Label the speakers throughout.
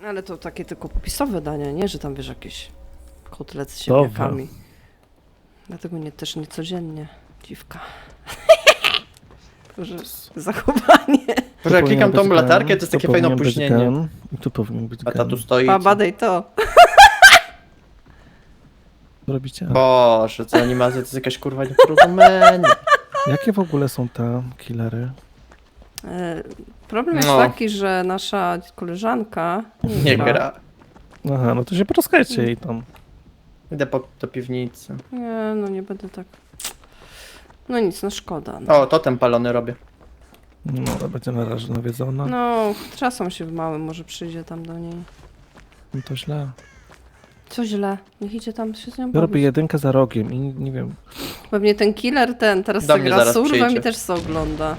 Speaker 1: Ale to takie tylko popisowe dania, nie? Że tam wiesz jakieś kotlety z ziemniakami. Dlatego też nie codziennie. Dziwka. Boże, zachowanie.
Speaker 2: Może jak klikam tą latarkę, to jest takie fajne opóźnienie.
Speaker 3: I tu powinien być
Speaker 2: A ta tu stoi.
Speaker 1: Pa, badaj to.
Speaker 3: Co robicie?
Speaker 2: Boże, co animacja, to jest jakaś kurwa nieporozumienie.
Speaker 3: Jakie w ogóle są te killery?
Speaker 1: Problem jest
Speaker 2: No.
Speaker 1: taki, że nasza koleżanka
Speaker 2: Nie gra.
Speaker 3: Aha, no to się poczekajcie jej tam.
Speaker 2: Idę do piwnicy.
Speaker 1: Nie, no nie będę tak. No nic, no szkoda. No,
Speaker 2: O, totem palony robię.
Speaker 3: No, ale będzie na razie nawiedzona.
Speaker 1: no trzasą się w małym, może przyjdzie tam do niej.
Speaker 3: No to źle.
Speaker 1: Co źle? Niech idzie tam się z nią
Speaker 3: Ja robię
Speaker 1: bawić.
Speaker 3: jedynkę za rogiem i nie wiem.
Speaker 1: Pewnie ten killer, teraz
Speaker 2: Do
Speaker 1: co
Speaker 2: mnie
Speaker 1: gra
Speaker 2: zaraz
Speaker 1: surwem
Speaker 2: przyjdzie.
Speaker 1: i też co ogląda.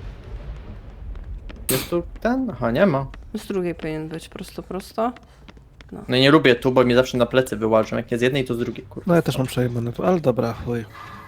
Speaker 2: Jest tu ten? Aha, nie ma.
Speaker 1: Z drugiej powinien być, prosto.
Speaker 2: No i nie lubię tu, bo mi zawsze na plecy wyłażą. Jak nie z jednej, to z drugiej, kurwa.
Speaker 3: No ja też mam przejebane tu, ale dobra, chuj.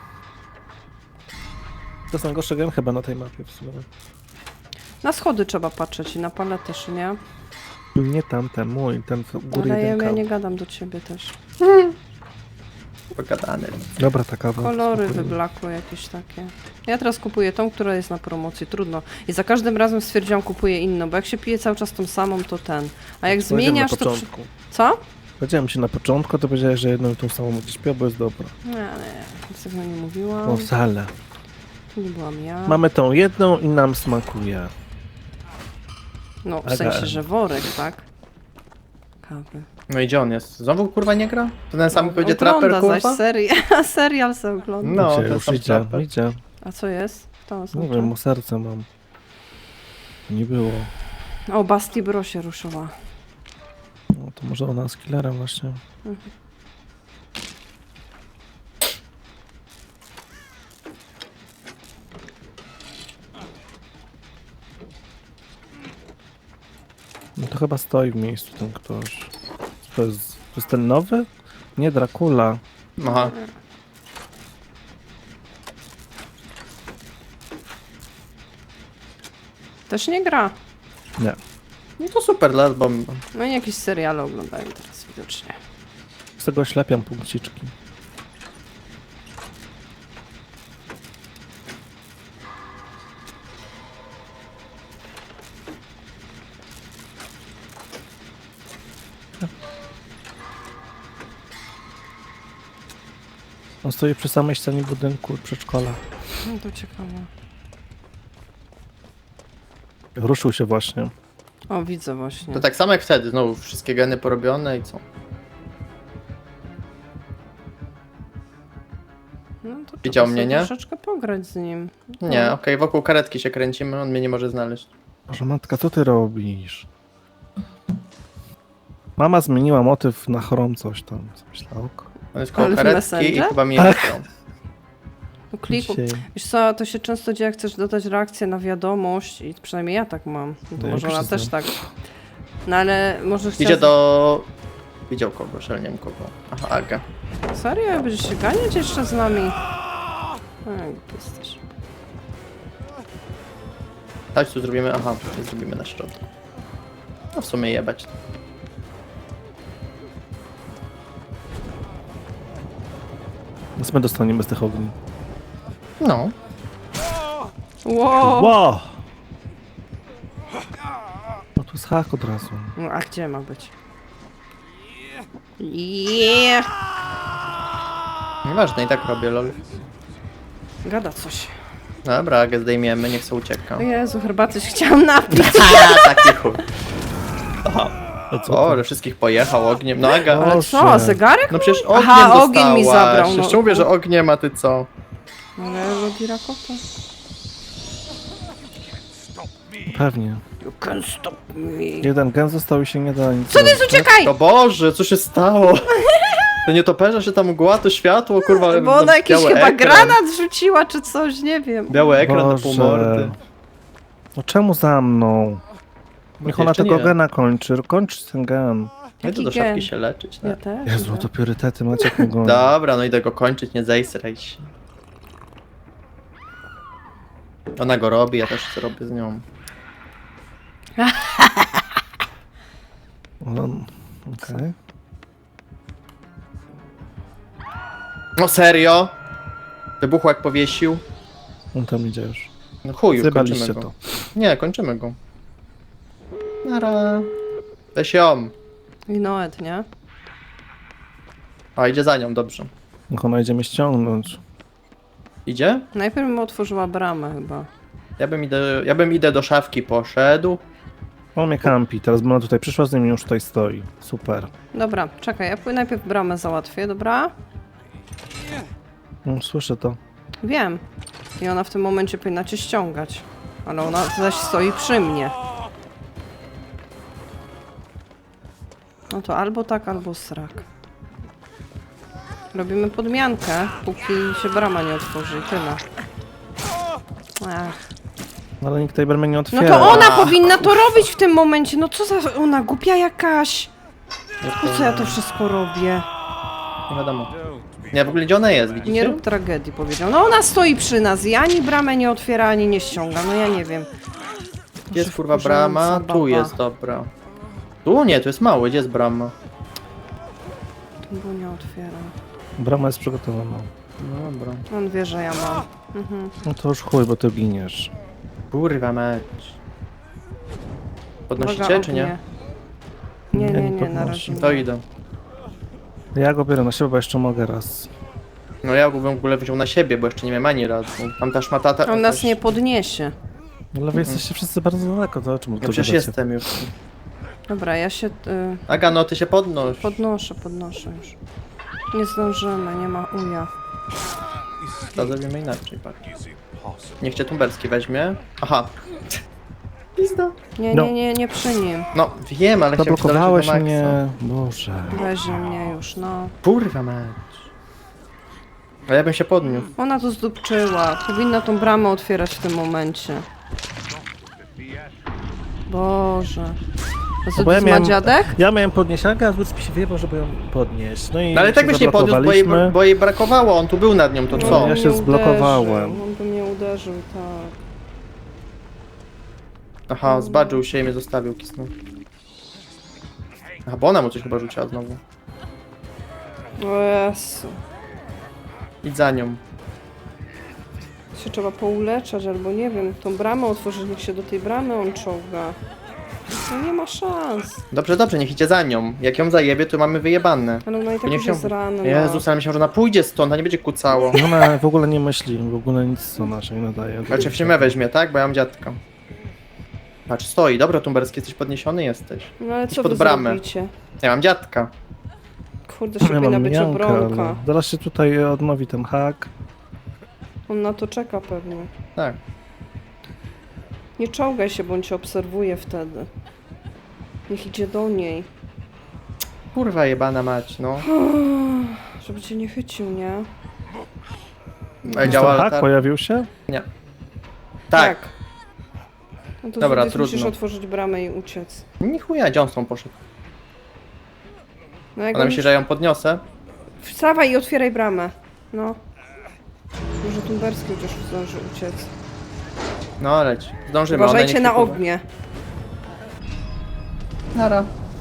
Speaker 3: To jest najgorszy gen chyba na tej mapie w sumie.
Speaker 1: Na schody trzeba patrzeć i na paletę, czy nie?
Speaker 3: Nie tamten, mój, ten w góry
Speaker 1: Ale ja
Speaker 3: jedynka.
Speaker 1: nie gadam do ciebie też.
Speaker 2: Pogadany.
Speaker 3: Dobra, taka
Speaker 1: Kolory wyblakłe jakieś takie. Ja teraz kupuję tą, która jest na promocji, trudno. I za każdym razem stwierdziłam, kupuję inną, bo jak się pije cały czas tą samą, to ten. A jak zmieniasz,
Speaker 3: na
Speaker 1: to...
Speaker 3: początku.
Speaker 1: Co?
Speaker 3: Powiedziałem ci na początku, to powiedziałeś, że jedną i tą samą będziesz pił, bo jest dobra.
Speaker 1: Nie, nic tego nie mówiłam.
Speaker 3: O, wcale.
Speaker 1: To nie byłam ja.
Speaker 3: Mamy tą jedną i nam smakuje.
Speaker 1: No, w
Speaker 3: Aga.
Speaker 1: sensie, że worek, tak? Kawy.
Speaker 2: No i gdzie on jest? Znowu kurwa nie gra? To ten sam będzie
Speaker 1: Ogląda
Speaker 2: traper, kurwa?
Speaker 1: zaś serial se ogląda.
Speaker 2: No,
Speaker 3: Idzie,
Speaker 2: ten
Speaker 3: już
Speaker 2: sam
Speaker 3: idzie,
Speaker 2: traper.
Speaker 3: idzie.
Speaker 1: A co jest? To
Speaker 3: Nie
Speaker 1: oznacza?
Speaker 3: wiem, o serce mam. Nie było.
Speaker 1: O, Basti Bro się ruszyła.
Speaker 3: No to może ona z killerem właśnie. No to chyba stoi w miejscu ten ktoś. To jest ten nowy? Nie, Dracula.
Speaker 2: Aha.
Speaker 1: Też nie gra.
Speaker 3: Nie.
Speaker 2: No to super, bo...
Speaker 1: No i jakieś seriale oglądają teraz widocznie.
Speaker 3: Z tego ślepiam punkciczki. On stoi przy samej ścianie budynku przedszkola.
Speaker 1: No to ciekawe.
Speaker 3: Ruszył się właśnie.
Speaker 1: O, widzę właśnie.
Speaker 2: To tak samo jak wtedy, znowu wszystkie geny porobione i co?
Speaker 1: No to trzeba
Speaker 2: Widział mnie,
Speaker 1: sobie
Speaker 2: nie?
Speaker 1: troszeczkę pograć z nim.
Speaker 2: Nie, okej, wokół karetki się kręcimy, on mnie nie może znaleźć.
Speaker 3: Boże matka, co ty robisz? Mama zmieniła motyw na chrom coś tam. Co myślała? Ok.
Speaker 2: On jest koło
Speaker 1: Ale w
Speaker 2: karetki i
Speaker 1: Messenger?
Speaker 2: chyba mnie
Speaker 3: Tak.
Speaker 2: nie chciał.
Speaker 1: No kliku.
Speaker 3: Dzisiaj.
Speaker 1: Wiesz co, to się często dzieje, jak chcesz dodać reakcję na wiadomość i przynajmniej ja tak mam. No to
Speaker 3: No,
Speaker 1: może
Speaker 3: jak
Speaker 1: ona
Speaker 3: się
Speaker 1: też
Speaker 3: znam.
Speaker 1: tak. No ale może chciała...
Speaker 2: Idzie do... Widział kogoś, ale nie wiem kogo. Aha, Aga.
Speaker 1: Serio? Będziesz się ganiać jeszcze z nami? Ej, jesteś.
Speaker 2: Chodź tu zrobimy, aha, nie zrobimy na środku. No w sumie jebać to.
Speaker 3: Więc my dostaniemy z tych ogni.
Speaker 2: No.
Speaker 1: Wow.
Speaker 3: Wow! No tu jest hak od razu.
Speaker 1: No, a gdzie ma być? Yeah.
Speaker 2: Nieważne, i tak robię, lol.
Speaker 1: Gada coś.
Speaker 2: Dobra, Agę zdejmiemy, niech se ucieka.
Speaker 1: O Jezu, herbaty się chciałam napić.
Speaker 2: A, taki chuj.
Speaker 3: A co
Speaker 2: O,
Speaker 3: to?
Speaker 2: że wszystkich pojechał ogniem. No Aga,
Speaker 1: Ale co,
Speaker 3: Boże.
Speaker 1: zegarek?
Speaker 2: no przecież ogniem
Speaker 1: Aha,
Speaker 2: dostałaś.
Speaker 1: ogień mi zabrał, no.
Speaker 2: Jeszcze mówię, że ogniem, a ty co?
Speaker 1: Ale robi rakota.
Speaker 3: Pewnie.
Speaker 1: You can't stop me.
Speaker 3: Jeden gen został i się nie da nic
Speaker 1: Co ty,
Speaker 3: zrobić.
Speaker 1: uciekaj!
Speaker 2: O Boże, co się stało? To nie toperze, że tam mgła, to światło, kurwa.
Speaker 1: Bo ona jakiś
Speaker 2: biały
Speaker 1: chyba
Speaker 2: ekran.
Speaker 1: granat rzuciła, czy coś, nie wiem.
Speaker 2: Biały ekran na
Speaker 3: Boże.
Speaker 2: pół mordy.
Speaker 3: No czemu za mną? Niech ona
Speaker 2: Jeszcze
Speaker 3: tego
Speaker 2: nie.
Speaker 3: gena kończy. Kończ ten gen.
Speaker 2: Ja idę do
Speaker 1: Jaki gen?
Speaker 2: szafki się leczyć.
Speaker 1: Ja
Speaker 2: Tak.
Speaker 1: też.
Speaker 3: Jezu,
Speaker 1: idę.
Speaker 3: to priorytety macie kogo.
Speaker 2: Dobra, no idę go kończyć, nie zejsraj się. Ona go robi, ja też zrobię z nią.
Speaker 3: No, okej.
Speaker 2: No serio? Wybuchło jak powiesił.
Speaker 3: On tam idzie już.
Speaker 2: No chuj, już kończymy
Speaker 3: Zjebaliście
Speaker 2: go.
Speaker 3: to.
Speaker 2: Nie, kończymy go. Nara. Weź ją.
Speaker 1: I Noet, nie?
Speaker 2: A, idzie za nią, dobrze.
Speaker 3: Niech ona idzie mnie ściągnąć.
Speaker 2: Idzie?
Speaker 1: Najpierw bym otworzyła bramę chyba.
Speaker 2: Ja bym idę do szafki poszedł.
Speaker 3: On mnie kampi, teraz bo ona tutaj przyszła, z nim już tutaj stoi. Super.
Speaker 1: Dobra, czekaj, ja najpierw bramę załatwię, dobra?
Speaker 3: No, słyszę to.
Speaker 1: Wiem. I ona w tym momencie powinna cię ściągać. Ale ona zaś stoi przy mnie. No to albo tak, albo srak. Robimy podmiankę, póki się brama nie otworzy i tyle. Ach.
Speaker 3: No, ale nikt tej bramy nie
Speaker 1: No
Speaker 3: otwiera.
Speaker 1: to ona powinna to robić w tym momencie. No co za... Ona głupia jakaś. Po co ja to wszystko robię?
Speaker 2: Nie wiadomo. Nie, w ogóle gdzie ona jest, widzicie?
Speaker 1: Nie rób tragedii, powiedział. No ona stoi przy nas i ani bramę nie otwiera, ani nie ściąga. No ja nie wiem.
Speaker 2: Gdzie jest
Speaker 1: Boże,
Speaker 2: kurwa
Speaker 1: wkurzająca
Speaker 2: brama?
Speaker 1: baba.
Speaker 2: Tu jest, dobra. Tu nie, tu jest mały, gdzie jest brama?
Speaker 1: Tu go nie otwiera.
Speaker 3: Brama jest przygotowana.
Speaker 2: No dobra.
Speaker 1: On wie, że ja mam. Mhm.
Speaker 3: No to już chuj, bo ty giniesz.
Speaker 2: Kurwa mecz. Podnosicie,
Speaker 1: Uwaga,
Speaker 2: czy nie?
Speaker 1: ognie. Nie,
Speaker 3: Ja
Speaker 1: nie,
Speaker 3: nie
Speaker 1: nie, na
Speaker 3: podnoszę.
Speaker 1: razie nie.
Speaker 2: To idę.
Speaker 3: Ja go biorę na siebie, bo jeszcze mogę raz.
Speaker 2: No ja go bym w ogóle wziął na siebie, bo jeszcze nie miałem ani razu. Tam ta szmatata...
Speaker 1: On nas nie podniesie.
Speaker 3: Ale wy jesteście wszyscy bardzo daleko, to o czym
Speaker 2: Ja
Speaker 3: tu
Speaker 2: przecież
Speaker 3: gadacie?
Speaker 2: jestem już.
Speaker 1: Dobra, ja się
Speaker 2: Aga, no ty się podnoś.
Speaker 1: podnoszę już. Nie zdążymy, nie ma uja.
Speaker 2: To zrobimy inaczej, patrz. Niech cię Tumberski weźmie. Aha. Pizda.
Speaker 1: Nie,
Speaker 3: No.
Speaker 1: nie przy nim.
Speaker 2: No, wiem, ale chciałem cię
Speaker 3: Zablokowałeś
Speaker 2: dolecieć do maksa.
Speaker 3: mnie. Boże.
Speaker 1: Weźmie mnie już, no.
Speaker 2: Kurwa mecz. A ja bym się podniósł.
Speaker 1: Ona to zdupczyła. Powinna tą bramę otwierać w tym momencie. Boże. A
Speaker 3: bo ja
Speaker 1: co ma
Speaker 3: miałem-
Speaker 1: dziadek?
Speaker 3: Ja miałem podnieść Agę, a Wódz mi się wyjebał, żeby ją podnieść. No i
Speaker 2: No ale tak
Speaker 3: się
Speaker 2: byś nie podniósł,
Speaker 3: zablokowaliśmy.
Speaker 2: bo jej brakowało, on tu był nad nią, to
Speaker 3: No,
Speaker 2: co?
Speaker 3: ja się
Speaker 1: mnie
Speaker 3: zblokowałem.
Speaker 1: uderzył, On by mnie uderzył, tak.
Speaker 2: Aha, zbadżył się i mnie zostawił, kisnął. Aha, bo ona mu coś chyba rzuciła znowu.
Speaker 1: O Jezu.
Speaker 2: Idź za nią.
Speaker 1: Się trzeba pouleczać, albo nie wiem, tą bramę otworzyć, niech się do tej bramy on czołga. No nie ma szans.
Speaker 2: Dobrze, dobrze, niech idzie za nią. Jak ją zajebie, to mamy wyjebane.
Speaker 1: Ale ona i tak
Speaker 2: niech
Speaker 1: już
Speaker 2: się-
Speaker 1: jest ranna.
Speaker 2: Jezus, ale myślałem, że ona pójdzie stąd, a nie będzie kucało.
Speaker 3: Ona w ogóle nie myśli, w ogóle nic co naszej nadaje.
Speaker 2: Znaczy w siemę weźmie, tak? Bo ja mam dziadka. Patrz, stoi. Dobra, Tumberski, jesteś podniesiony? Jesteś.
Speaker 1: No ale co
Speaker 2: pod
Speaker 1: wy
Speaker 2: bramę.
Speaker 1: zrobicie?
Speaker 2: Ja mam dziadka.
Speaker 1: Kurde, się powinna być obronka.
Speaker 3: ale zaraz się tutaj odnowi ten hak.
Speaker 1: On na to czeka pewnie.
Speaker 2: Tak.
Speaker 1: Nie czołgaj się, bo on cię obserwuje wtedy. Niech idzie do niej.
Speaker 2: Kurwa jebana mać, no.
Speaker 1: Żeby cię nie chycił, nie?
Speaker 2: Działa
Speaker 3: Ten hak
Speaker 2: latar...
Speaker 3: pojawił się?
Speaker 2: Nie. Tak.
Speaker 1: No to
Speaker 2: Dobra,
Speaker 1: Zudis musisz
Speaker 2: trudno.
Speaker 1: otworzyć bramę i uciec.
Speaker 2: Ni chuja, gdzie on stąd poszedł?
Speaker 1: No jak
Speaker 2: Ona
Speaker 1: on
Speaker 2: myśli, że ją podniosę?
Speaker 1: Wstawaj i otwieraj bramę. No. Może Tumberski chociaż zdąży uciec.
Speaker 2: No leć. Zdążymy. ona
Speaker 1: Uważajcie
Speaker 2: niech
Speaker 1: na
Speaker 2: się kurwa-
Speaker 1: ognie.
Speaker 2: Nara.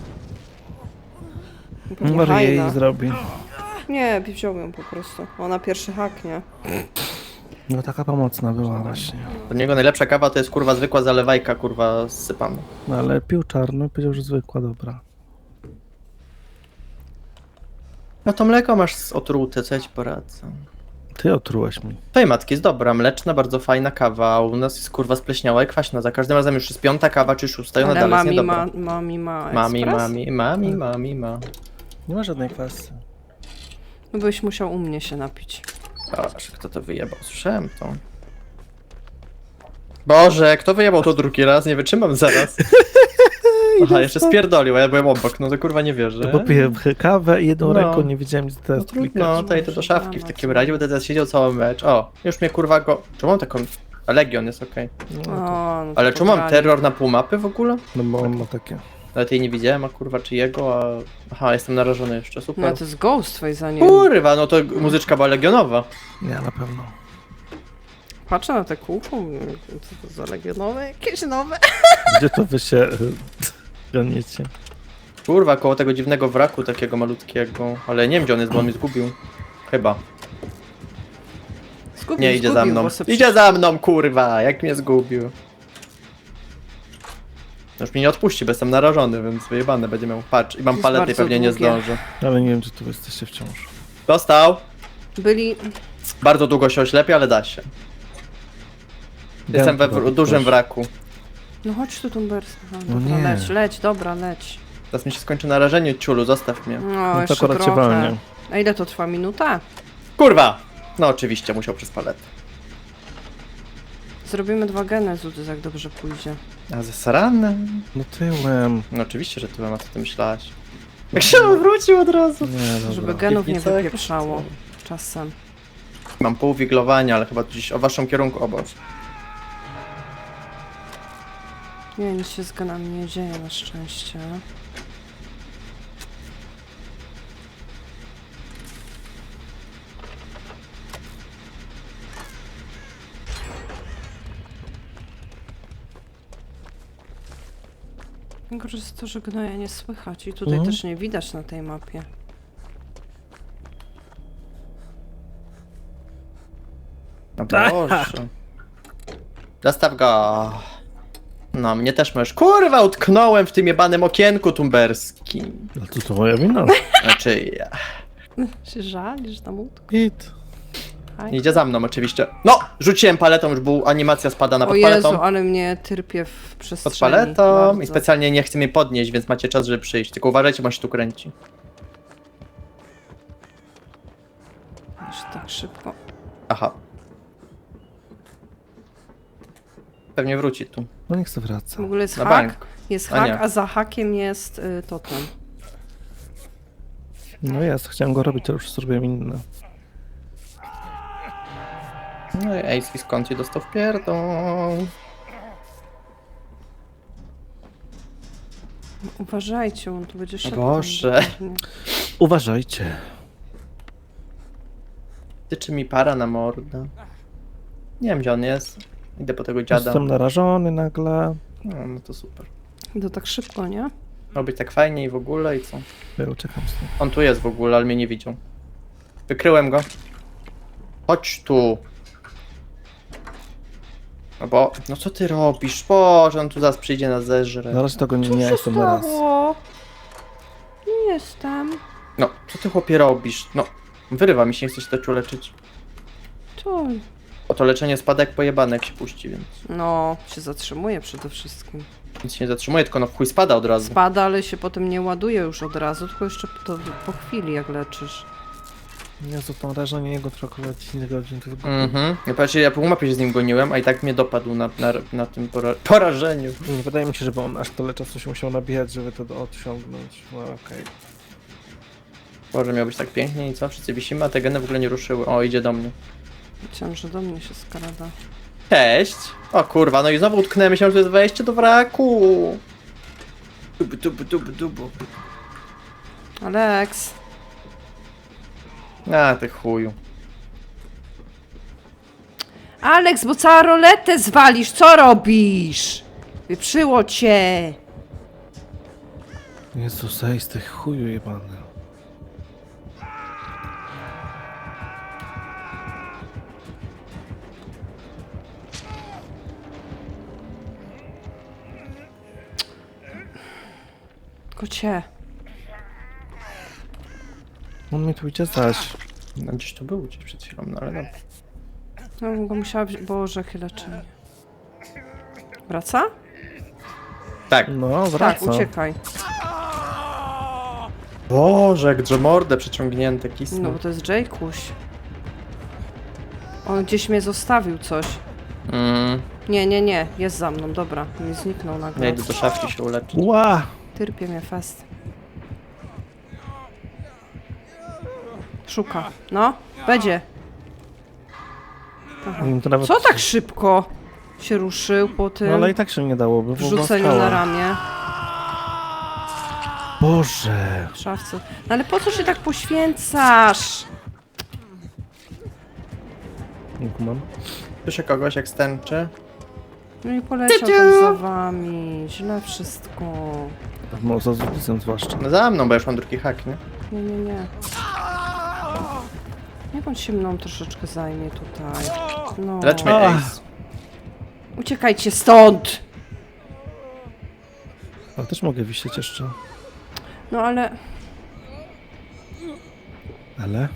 Speaker 1: Pewnie
Speaker 3: Może jej
Speaker 1: hajna.
Speaker 3: zrobi.
Speaker 1: Nie, wziął ją po prostu. Ona pierwszy hak, nie?
Speaker 3: No taka pomocna była właśnie.
Speaker 2: Od niego najlepsza kawa to jest kurwa zwykła zalewajka, kurwa zsypana.
Speaker 3: No ale pił czarny, powiedział, że zwykła, dobra.
Speaker 2: No to mleko masz otrute, co ja ci poradzę?
Speaker 3: Ty otrułeś mi.
Speaker 2: Twojej matki jest dobra, mleczna, bardzo fajna kawa, a u nas jest kurwa spleśniała i kwaśna. Za każdym razem już jest piąta kawa czy szósta i ona
Speaker 1: Ale
Speaker 2: dalej jest
Speaker 1: mami
Speaker 2: niedobra.
Speaker 1: ma
Speaker 2: Mami,
Speaker 1: ekspres?
Speaker 2: mami ma.
Speaker 3: Nie ma żadnej kwasy.
Speaker 1: No byś musiał u mnie się napić.
Speaker 2: Boże, kto to wyjebał? Słyszałem to. Boże, kto wyjebał to drugi raz? Nie wytrzymam zaraz. Aha, jeszcze spierdolił, a ja byłem obok, no to kurwa nie wierzę.
Speaker 3: To popiję kawę i jedną
Speaker 2: No.
Speaker 3: ręką nie wiedziałem, gdzie
Speaker 2: No
Speaker 3: teraz
Speaker 2: trudno,
Speaker 3: klikać.
Speaker 2: to idę do szafki w takim razie, będę teraz siedział cały mecz. O, już mnie kurwa go... Czemu mam taką... A Legion jest okej.
Speaker 3: No,
Speaker 1: O, no to
Speaker 2: Ale czemu mam
Speaker 1: pograli.
Speaker 2: terror na pół mapy w ogóle?
Speaker 3: no bo on ma takie.
Speaker 2: Nawet jej nie widziałem, a kurwa czy jego, a... Aha, jestem narażony jeszcze,
Speaker 1: No
Speaker 2: super.
Speaker 1: to jest ghost twój za nim.
Speaker 2: Kurwa, no to muzyczka była legionowa.
Speaker 3: Nie, na pewno.
Speaker 1: Patrzę na te kółko, mówię, co to za legionowe? Jakieś nowe?
Speaker 3: Gdzie to wy się goniecie?
Speaker 2: Kurwa, koło tego dziwnego wraku takiego malutkiego. Ale nie wiem, gdzie on jest, bo on mnie zgubił. Chyba.
Speaker 1: Zgubił,
Speaker 2: Nie, idzie za
Speaker 1: zgubił,
Speaker 2: mną.
Speaker 1: bo se
Speaker 2: Idzie za mną, kurwa! Jak mnie zgubił. Już mnie nie odpuści, bo jestem narażony, więc wyjebane będzie miał. Patrz, i mam
Speaker 1: Jest
Speaker 2: paletę i
Speaker 1: bardzo
Speaker 2: pewnie nie
Speaker 1: długie.
Speaker 2: zdążę.
Speaker 3: Ale nie wiem, czy tu jesteście wciąż.
Speaker 2: Dostał.
Speaker 1: Byli...
Speaker 2: Bardzo długo się oślepia, ale da się. Jestem we dużym wraku.
Speaker 1: No chodź tu, Tumbers. Aha,
Speaker 3: No
Speaker 1: dobra,
Speaker 3: nie.
Speaker 1: leć, dobra, leć.
Speaker 2: Teraz mi się skończy narażenie, ciulu, zostaw mnie.
Speaker 1: No,
Speaker 3: No to
Speaker 1: jeszcze
Speaker 3: akurat cię
Speaker 1: trochę.
Speaker 3: walnie.
Speaker 1: A ile to trwa? Minuta?
Speaker 2: Kurwa! No oczywiście, musiał przez paletę.
Speaker 1: Zrobimy 2 geny, Zudys, jak dobrze pójdzie.
Speaker 2: A ze saranem?
Speaker 3: No tyłem.
Speaker 2: No oczywiście, że tyłem, a co ty myślałaś? Jak się wrócił od razu.
Speaker 3: Nie, dobra.
Speaker 1: Żeby genów nie
Speaker 2: Piwnica jakaś
Speaker 1: wypieprzało
Speaker 2: czy
Speaker 1: czasem.
Speaker 2: Mam pół wiglowania, ale chyba gdzieś o waszym kierunku obok.
Speaker 1: Nie, nic się z genami nie dzieje na szczęście. Najgorsze jest to, że gnoja nie słychać i tutaj
Speaker 3: Mhm.
Speaker 1: też nie widać na tej mapie.
Speaker 2: No Boże. Zostaw go. No, mnie też możesz. Kurwa, utknąłem w tym jebanym okienku tumberskim.
Speaker 3: No to moja wina.
Speaker 2: Znaczy, ja.
Speaker 1: Się żalisz tam łódko?
Speaker 3: Git.
Speaker 2: Idzie za mną oczywiście. No! Rzuciłem paletą, już był animacja spadana
Speaker 1: O
Speaker 2: pod
Speaker 1: Jezu,
Speaker 2: paletą.
Speaker 1: ale mnie tyrpie w przestrzeni.
Speaker 2: Pod paletą
Speaker 1: bardzo.
Speaker 2: i specjalnie nie chce mnie podnieść, więc macie czas, żeby przyjść. Tylko uważajcie, bo on się tu kręci.
Speaker 1: Aż tak szybko.
Speaker 2: Aha. Pewnie wróci tu.
Speaker 3: No niech se wraca.
Speaker 1: W ogóle jest
Speaker 2: Na
Speaker 1: hak,
Speaker 2: bank.
Speaker 1: jest
Speaker 2: A
Speaker 1: hak,
Speaker 2: nie.
Speaker 1: a za hakiem jest totem.
Speaker 3: No jest, chciałem go robić, ale już zrobiłem inne.
Speaker 2: No i Ace skąd ci dostał w pierdol.
Speaker 1: Uważajcie, on tu będzie szedł.
Speaker 2: Boże.
Speaker 1: tam.
Speaker 3: Uważajcie.
Speaker 2: Tyczy mi para na mordę. Nie wiem, gdzie on jest. Idę po tego dziada.
Speaker 3: Jestem narażony nagle.
Speaker 2: No to super.
Speaker 1: To tak szybko, nie?
Speaker 2: Miał być tak fajnie i w ogóle i co?
Speaker 3: Ja uciekam stąd.
Speaker 2: On tu jest w ogóle, ale mnie nie widział. Wykryłem go. Chodź tu. No bo... No co ty robisz? Boże, on tu zaraz przyjdzie na zeżre.
Speaker 3: Na razie tego nie, nie
Speaker 1: Co
Speaker 3: jestem
Speaker 1: się
Speaker 3: na raz.
Speaker 1: stało? Nie jestem.
Speaker 2: No, co ty chłopie robisz? No, wyrywa mi się, nie chce się to leczyć.
Speaker 1: To...
Speaker 2: O to leczenie spada jak pojebane, jak się puści, więc...
Speaker 1: No, się zatrzymuje przede wszystkim.
Speaker 2: Nic się nie zatrzymuje, tylko no w chuj spada od razu.
Speaker 1: Spada, ale się potem nie ładuje już od razu, tylko jeszcze po chwili, jak leczysz.
Speaker 3: Jezu, to narażenie jego trochę 10 godzin, to jest głupie.
Speaker 2: Mhm. Ja patrzcie, ja pół mapy się z nim goniłem, a i tak mnie dopadł na tym porażeniu.
Speaker 3: Nie wydaje mi się, żeby on aż tyle czasu się musiał nabijać, żeby to odciągnąć. No okej.
Speaker 2: Boże, miał być tak pięknie i co? Wszyscy wisimy, a te geny w ogóle nie ruszyły. O, idzie do mnie.
Speaker 1: Myślałam, że do mnie się skrada.
Speaker 2: Cześć! O kurwa, no i znowu utknęłem, myślałem, że to jest wejście do wraku. Dubu.
Speaker 1: Alex!
Speaker 2: A, ty chuju.
Speaker 1: Alex, bo całą roletę zwalisz, co robisz? Wyprzyło cię!
Speaker 3: Jezu, zejdź z tych chuju jebany.
Speaker 1: Kocie.
Speaker 3: On mi tu idzie zaś.
Speaker 2: No gdzieś to był gdzieś przed chwilą, no ale no.
Speaker 1: No, go musiała być... Boże, chyleczenie. Wraca?
Speaker 2: Tak.
Speaker 3: No,
Speaker 1: Tak,
Speaker 3: wraca.
Speaker 1: uciekaj.
Speaker 2: Boże, jak drzemordę przeciągnięte kisną.
Speaker 1: No, bo to jest Jaykuś. On gdzieś mnie zostawił coś. Nie. Jest za mną, dobra. Mi zniknął
Speaker 2: Ja
Speaker 1: nagle.
Speaker 2: idę do szafki się uleczyć.
Speaker 3: Ła!
Speaker 1: Tyrpie mnie fest. Szuka. No, będzie. Aha.
Speaker 3: To nawet...
Speaker 1: Co tak szybko się ruszył po tym
Speaker 3: No ale i tak się nie dałoby, bo
Speaker 1: wrzuceniu
Speaker 3: była
Speaker 1: na
Speaker 3: skała.
Speaker 1: ramię
Speaker 3: Boże!
Speaker 1: w szafce? No ale po co się tak poświęcasz?
Speaker 3: Nie kumam.
Speaker 2: Słyszę kogoś jak stęczy.
Speaker 1: No i poleciał tam za wami. Źle wszystko.
Speaker 3: No, za Zudisem zwłaszcza.
Speaker 2: No za mną, bo ja już mam drugi hak, nie?
Speaker 1: Nie. Niech on się mną troszeczkę zajmie tutaj. No.
Speaker 2: Lecz mnie, Ace.
Speaker 1: Uciekajcie stąd!
Speaker 3: Ale też mogę wisieć jeszcze.
Speaker 1: No ale...
Speaker 3: Ale?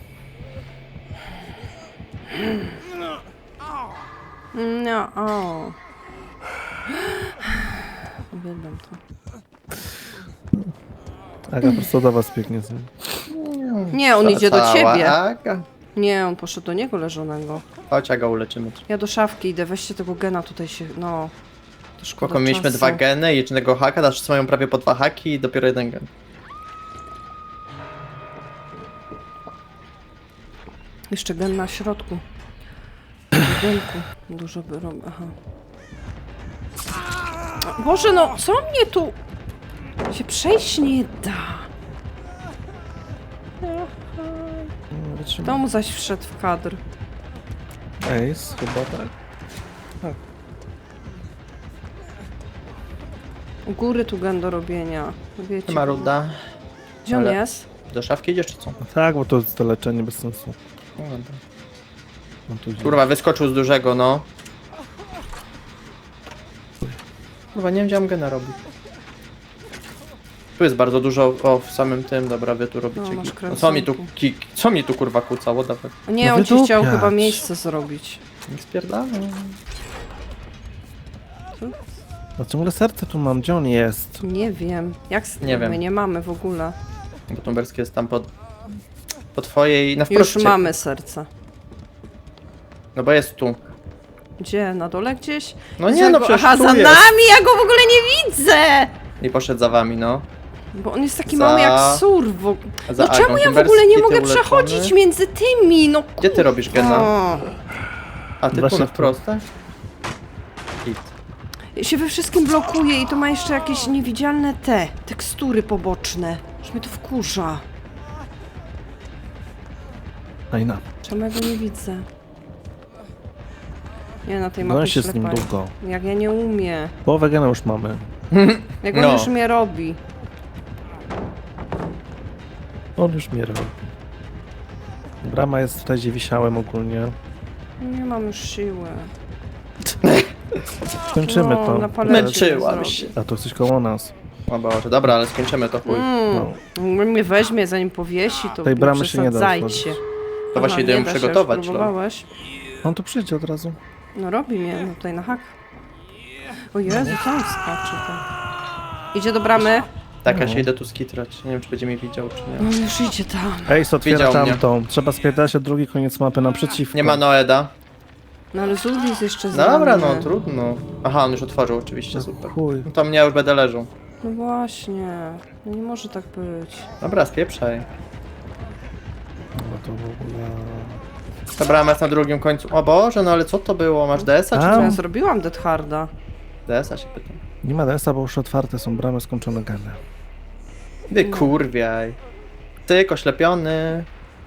Speaker 1: No, o. Uwielbiam to.
Speaker 3: Aga prosto do was biegnie z nim.
Speaker 1: Nie, on idzie do
Speaker 2: Cała
Speaker 1: ciebie.
Speaker 2: Aga.
Speaker 1: Nie, on poszedł do niego leżonego.
Speaker 2: Chodź, Aga, uleczymy cię.
Speaker 1: Ja do szafki idę, weźcie tego gena tutaj się, no. To szkoda
Speaker 2: Spoko, mieliśmy
Speaker 1: czasu.
Speaker 2: 2 geny i jednego haka, teraz wszyscy mają prawie po 2 haki i dopiero 1 gen.
Speaker 1: Jeszcze gen na środku. W budynku. Dużo by robił, aha. Boże, no, co mnie tu... się przejść nie da. To mu zaś wszedł w kadr.
Speaker 3: Ace, chyba tak.
Speaker 1: U góry tu gen do robienia. Wiecie.
Speaker 2: Maruda.
Speaker 1: Gdzie on
Speaker 2: Ale-
Speaker 1: jest?
Speaker 2: Do szafki idziesz czy co?
Speaker 3: No tak, bo to jest to leczenie bez sensu.
Speaker 2: No dobra.
Speaker 3: No tu idzie.
Speaker 2: Kurwa, wyskoczył z dużego, no. Kurwa, nie wiem, gdzie mam gena robić. Tu jest bardzo dużo, o, w samym tym, dobra, wy tu robicie.
Speaker 1: No, masz
Speaker 2: No, co mi tu,
Speaker 1: kręconki.
Speaker 2: co mi tu kurwa kłóca, what the fuck?
Speaker 1: O nie,
Speaker 3: No
Speaker 1: on ci chciał
Speaker 3: wydupiać.
Speaker 1: chyba miejsce zrobić.
Speaker 2: Nie spierdala.
Speaker 3: No ciągle serce tu mam, gdzie on jest?
Speaker 1: Nie wiem. Jak z
Speaker 2: Nie
Speaker 1: my
Speaker 2: wiem.
Speaker 1: nie mamy w ogóle.
Speaker 2: Bo Tumberski jest tam po twojej, na
Speaker 1: Już
Speaker 2: wprost.
Speaker 1: mamy serce.
Speaker 2: No bo jest tu.
Speaker 1: Gdzie? Na dole gdzieś?
Speaker 2: No nie, no przecież
Speaker 1: Aha,
Speaker 2: tu
Speaker 1: za
Speaker 2: jest.
Speaker 1: nami! Ja go w ogóle nie widzę!
Speaker 2: I poszedł za wami, no.
Speaker 1: Bo on jest taki
Speaker 2: Za-
Speaker 1: mały jak sur. No
Speaker 2: Za
Speaker 1: czemu
Speaker 2: Agą.
Speaker 1: ja w
Speaker 2: Tumberski,
Speaker 1: ogóle nie
Speaker 2: ty
Speaker 1: mogę
Speaker 2: uleczony.
Speaker 1: przechodzić między tymi? No
Speaker 2: Gdzie ty robisz gena?
Speaker 1: O.
Speaker 2: A ty tu
Speaker 3: Właśnie
Speaker 2: na
Speaker 3: tu.
Speaker 2: wprost, tak? Hit.
Speaker 1: Ja się we wszystkim blokuje i to ma jeszcze jakieś niewidzialne tekstury poboczne. Że mnie to wkurza.
Speaker 3: Ajna.
Speaker 1: Czemu ja go nie widzę? Nie, na tej
Speaker 3: No
Speaker 1: mapie
Speaker 3: się z nim
Speaker 1: ślepa.
Speaker 3: długo.
Speaker 1: Jak ja nie umiem.
Speaker 3: Połowę gena już mamy.
Speaker 1: Jak on
Speaker 2: No.
Speaker 1: już mnie robi.
Speaker 3: On już mnie robi. Brama jest tutaj, gdzie wisiałem ogólnie.
Speaker 1: Nie mam już siły.
Speaker 3: Skończymy
Speaker 1: No,
Speaker 3: to.
Speaker 1: na palecie
Speaker 2: Męczyłam
Speaker 1: zrobię.
Speaker 2: się.
Speaker 3: A to coś koło nas.
Speaker 2: O Boże, dobra, ale skończymy to chuj.
Speaker 3: No.
Speaker 1: Mnie weźmie, zanim powiesi, to
Speaker 3: Tej
Speaker 1: nie
Speaker 3: bramy się nie da
Speaker 1: przesadzajcie.
Speaker 3: otworzyć.
Speaker 2: To właśnie idę
Speaker 1: nie
Speaker 2: ją
Speaker 1: da się,
Speaker 2: przygotować,
Speaker 1: już
Speaker 2: no.
Speaker 1: próbowałeś?
Speaker 3: On tu przyjdzie od razu.
Speaker 1: No robi mnie no, tutaj na hak. O Jezu, co on skacze tam? Idzie do bramy?
Speaker 2: Tak, ja
Speaker 3: No.
Speaker 2: się idę tu skitrać. Nie wiem, czy będzie mnie widział, czy nie.
Speaker 1: No już idzie tam.
Speaker 3: Ace otwiera
Speaker 2: Widział mnie.
Speaker 3: tamtą. Trzeba spierdać od drugi koniec mapy naprzeciwko.
Speaker 2: Nie ma Noeda.
Speaker 1: No ale Zulis jeszcze
Speaker 2: Dobra,
Speaker 1: za
Speaker 2: no
Speaker 1: mnie.
Speaker 2: trudno. Aha, on już otworzył, oczywiście, super.
Speaker 3: Chuj.
Speaker 2: No to mnie już będę leżał.
Speaker 1: No właśnie. No nie może tak być.
Speaker 2: Dobra, spieprzaj.
Speaker 3: No to w ogóle...
Speaker 2: Ta brama jest na drugim końcu. O Boże, no ale co to było? Masz DS-a czy
Speaker 3: A?
Speaker 1: To
Speaker 2: co?
Speaker 1: ja zrobiłam Dead Harda.
Speaker 2: DS-a się pytam.
Speaker 3: Nie ma DS-a, bo już otwarte są bramy, skończone geny.
Speaker 2: Wy kurwiaj. Tyk, oślepiony.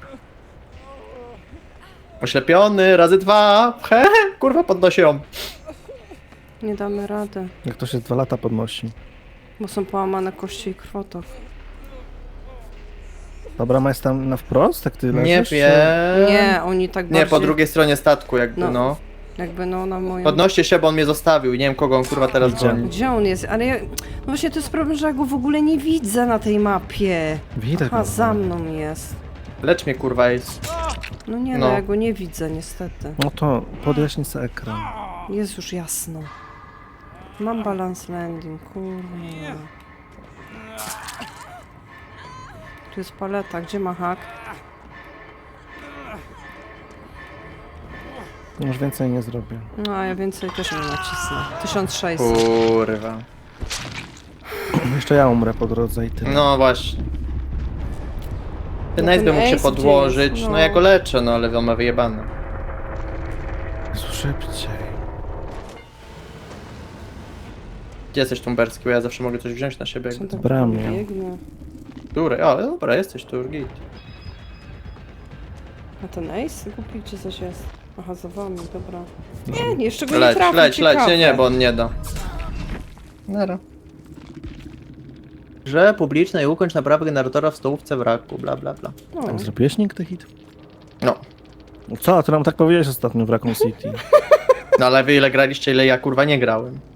Speaker 2: Oślepiony, razy 2. He, kurwa, podnosi ją.
Speaker 1: Nie damy rady.
Speaker 3: Jak to się 2 lata podnosi.
Speaker 1: Bo są połamane kości i krwotok.
Speaker 3: Ta brama jest tam na wprost, jak ty
Speaker 2: Nie
Speaker 3: leżysz? czy-
Speaker 2: wiem.
Speaker 1: Nie, oni tak
Speaker 2: Nie, po
Speaker 1: bardziej...
Speaker 2: drugiej stronie statku jakby,
Speaker 1: No.
Speaker 2: no.
Speaker 1: Jakby no na moją...
Speaker 2: Podnoście się, bo on mnie zostawił. Nie wiem, kogo on kurwa teraz
Speaker 3: Idzie.
Speaker 2: goni.
Speaker 1: Gdzie on jest? Ale ja... No właśnie to jest problem, że ja go w ogóle nie widzę na tej mapie.
Speaker 3: Widać
Speaker 1: A
Speaker 3: go.
Speaker 1: za mną jest.
Speaker 2: Lecz mnie kurwa jest.
Speaker 1: No nie,
Speaker 2: No.
Speaker 1: no ja go nie widzę niestety.
Speaker 3: No to podjaśnij sobie ekran.
Speaker 1: Jest już jasno. Mam balance landing, kurwa. Tu jest paleta, gdzie ma hak?
Speaker 3: Już więcej nie zrobię.
Speaker 1: No a ja więcej też nie nacisnę. 1600.
Speaker 2: Kurwa.
Speaker 3: Jeszcze ja umrę po drodze i tyle.
Speaker 2: No właśnie. Ten
Speaker 1: No
Speaker 2: Ace by
Speaker 1: ten
Speaker 2: mógł się
Speaker 1: Ace
Speaker 2: podłożyć.
Speaker 1: gdzie jest?
Speaker 2: No ja go leczę, no ale on ma wyjebane.
Speaker 3: Jezu, szybciej.
Speaker 2: Gdzie jesteś Tumberski? Bo ja zawsze mogę coś wziąć na siebie.
Speaker 1: Co
Speaker 2: Jakby.
Speaker 1: tak
Speaker 3: bramie.
Speaker 1: biegnie?
Speaker 2: Który? O, dobra, jesteś tu, git.
Speaker 1: A ten Ace? Głupi gdzie coś jest. Aha, za wami, dobra. Nie, jeszcze go nie
Speaker 2: Leć,
Speaker 1: trafił,
Speaker 2: leć, leć,
Speaker 1: ciekawe.
Speaker 2: nie, bo on nie da. Nara. Grze publicznej ukończ naprawę generatora w stołówce wraku, bla bla bla.
Speaker 1: No.
Speaker 3: Zrobiłeś nigdy hit?
Speaker 2: No.
Speaker 3: Co? Ty nam tak powiedziałeś ostatnio w Raccoon City.
Speaker 2: No ale wy ile graliście, ile ja kurwa nie grałem.